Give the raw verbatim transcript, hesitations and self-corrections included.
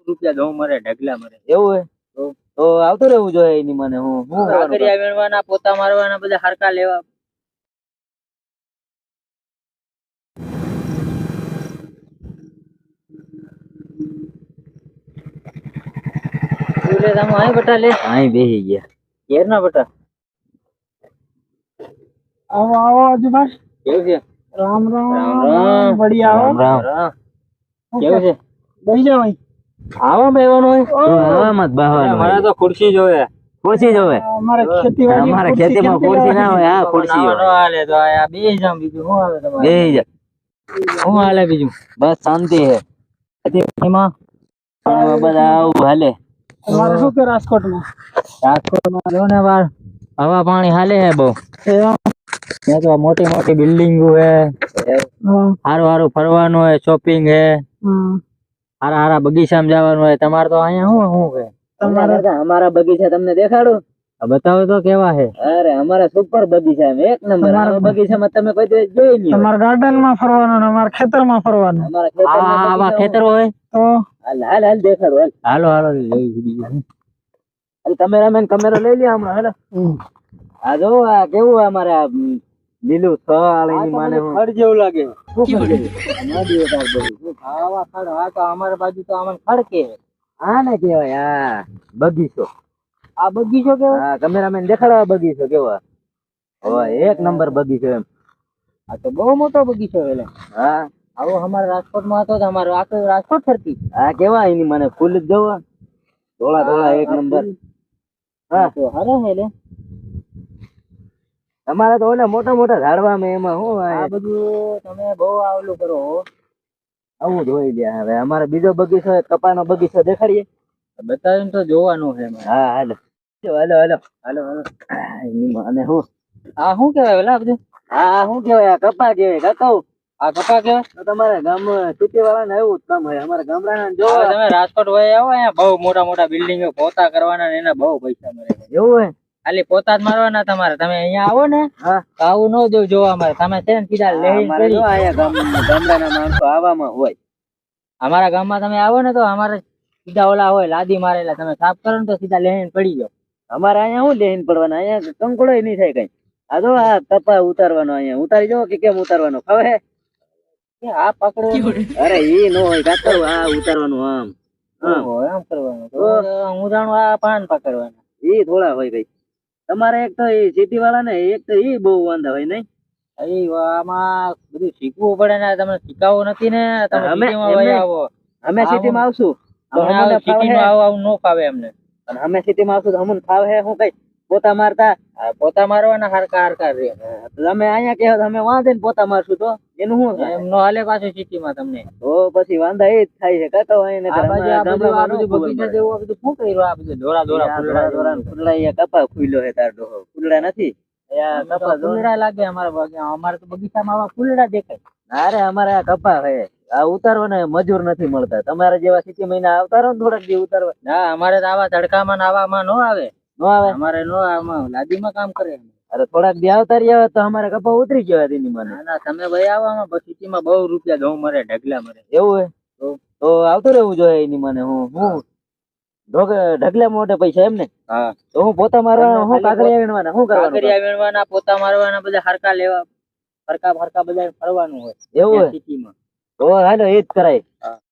રૂપિયા દઉં મરે ઢગલા મરે. એવું હે તો આવતું રહેવું જોઈએ એની મને. હું હું કાકરિયા વીણવાના, પોતા મારવાના, બધા હરકા લેવા. લે તમે અહીં બટા લે. અહીં બેહી ગયા ઘેર ના બટા. આવો આવો આજુભાઈ. કેવું છે? રામ રામ રામ રામ. બઢિયા આવો. રામ રામ. કેવું છે? બેહી જાવ અહીં. આવા બેવાનું હોય આવામાં જ બેહવાનું મારે હોય. તો ખુરશી જોવે. ખુરશી જોવે અમારે ખેતીવાડી અમારે ખેતીમાં ખુરશી ના હોય. આ ખુરશી ના હોય. હાલે તો આ બેસી જામ. બીજું શું આવે તમારે? બેહી જા. શું હાલે બીજું? બસ શાંતિ હે. એમાં પણ બધા આવું હાલે. તમારે શું કે રાજકોટમાં? રાજકોટમાં જો ને બાર હવા પાણી હાલે હે બહુ. ત્યાં તો મોટી મોટી બિલ્ડિંગો હે, સારું સારું ફરવાનું હે, શોપિંગ હે, હારા હારા બગીચામાં જવાનું હોય. તમારે તો અહીંયા શું શું હે? તમારે અમારા બગીચા તમને દેખાડું? બતાવો તો કેવા હે? અરે અમારા સુપર બગીચા એક નંબર. અમારા બગીચામાં તમે કોઈ દિવસ જોઈ નહીં. તમારા ગાર્ડન માં ફરવાનું ને અમારા ખેતરમાં ફરવાનું. અમારા આવા ખેતર હોય તો હાલ હાલ હાલ દેખાડો હાલ. હાલો હાલો જોઈ બીજું. હાલ કેમેરામેન કેમેરો લઈ લે હમણાં. હાલો આ જો આ કેવું અમારે આ લીલું થળ એની માને ખડ જેવું લાગે. નદી તાર બધું આવા ખડ. હા તો અમારી બાજુ તો આમાં ખડ કે આ ને કેવાય આ બગીચો. આ બગીચો કેવો? હા કેમેરામેન દેખાડો આ બગીચો કેવો. હવે એક નંબર બગીચો એમ. આ તો બહુ મોટો બગીચો એટલે. હા આવો અમારા રાજકોટમાં હતો તો અમારો આખો રાજકોટ ફરતી. આ કેવા એની મને ફૂલ જ જોવા ધોળા ધોળા એક નંબર. હા તો હારે હે લે. તમારે તો ઓલા મોટા મોટા ઝાડવામાં એમાં શું આ બધું તમે બહુ આવલું કરો હો. આવું જોઈ લે. હવે અમારે બીજો બગીચો કપાનો બગીચો દેખાડીએ. બતાવીને તો જોવાનું છે. હા હાલો હાલો હાલો હાલો હાલો. એની માને હું આ શું કેવાય ઓલા બધું? આ શું કેવાય? આ કપા કેવાય. કાકા આ કપા કેવાય? તો તમારા ગામ સિટી વાળા ને એવું જ કામ હોય. અમારા ગામડાના જો હવે તમે રાજકોટ વહી આવો, અહીંયા બહુ મોટા મોટા બિલ્ડિંગો પોતા કરવાના ને એના બહુ પૈસા મળે. એવું હોય ખાલી પોતા જ મારવાના તમારે. તમે અહીંયા આવો ને હા તો આવું ન જોવું જોવા મળે. તમે છે ને સીધા લઈ અમારે જો અહીંયા ગામ ગામડાના માણસો આવામાં હોય. અમારા ગામમાં તમે આવો ને તો અમારે સીધા ઓલા હોય લાદી મારેલા. તમે સાફ કરો ને તો સીધા લઈને પડી જાવ. અમારે અહીંયા શું લઈને પડવાના? અહીંયા કંકોડો નહીં થાય કઈ. આ જો આ કપા ઉતારવાનો અહીંયા ઉતારી જો કે કેમ ઉતારવાનો ખબર હે? આ પકડો. અરે ઈ નો હોય કાકા. આ ઉતારવાનું આમ આમ એમ કરવાનું. તો હું જાણું આ પાન પકડવાના. ઈ થોડા હોય કઈ. તમારે એક તો એ સિટી વાળા ને એક તો ઈ બહુ વાંધા હોય નહીં. એ આમાં બધું શીખવું પડે ને. તમને શીખાવું નથી ને. તમે અમે સિટીમાં વહી આવો. અમે સિટીમાં આવશું તો અમને અમને ફાવે. સિટીમાં આવું આવું ન ફાવે અમને. અને અમે સિટીમાં આવશું તો અમને ફાવે હે હું કઈ પોતા મારતા. આ પોતા મારવાના હરકા હરકા રે. તમે અહીંયા કહો તો અમે વાંધે ને પોતા મારશું તો એનું શું થાય? એમ નો હાલે પાછું સિટીમાં તમને. તો પછી વાંધા એ જ થાય છે કાકા. હોય ને આ બાજુ આ બધું આ બધું બગીચા જેવું આ બધું શું કર્યું? આ બધું દોરા દોરા ફૂલડા દોરા ફૂલડા અહીંયા કપા ખુલ્યો હે તાર ડોહો. ફૂલડા નથી અહીંયા કપા ફૂલડા લાગે અમારા બગીચા. અમારે તો બગીચામાં આવા ફૂલડા દેખાય. અરે અમારે આ કપા હે. આ ઉતારવા ને મજૂર નથી મળતા. તમારે જેવા સિટી મહિના આવતારો ને થોડાક દી ઉતારવા. ના અમારે તો આવા તડકામાં ને આવામાં નો આવે. નો આવે અમારે નો આમાં લાદીમાં કામ કરે. અરે થોડાક દી આવતા રહ્યા તો અમારે કપા ઉતરી ગયા તેની મને. ના ના તમે ભાઈ આવામાં પછી સિટીમાં બહુ રૂપિયા ઘઉં મરે ઢગલા મરે. એવું હે તો આવતું રહેવું જોઈએ એની મને. હું હું ઢગલે મોટે પૈસા એમ ને? હા તો હું પોતા મારવાના હું કાકરિયા વીણવાના શું કરવાનું? કાકરિયા વીણવાના, પોતા મારવાના, બધા હરકા લેવા, હરકા હરકા બધા ફરવાનું હોય એવું હોય સિટીમાં. તો હાલો એ જ કરાય.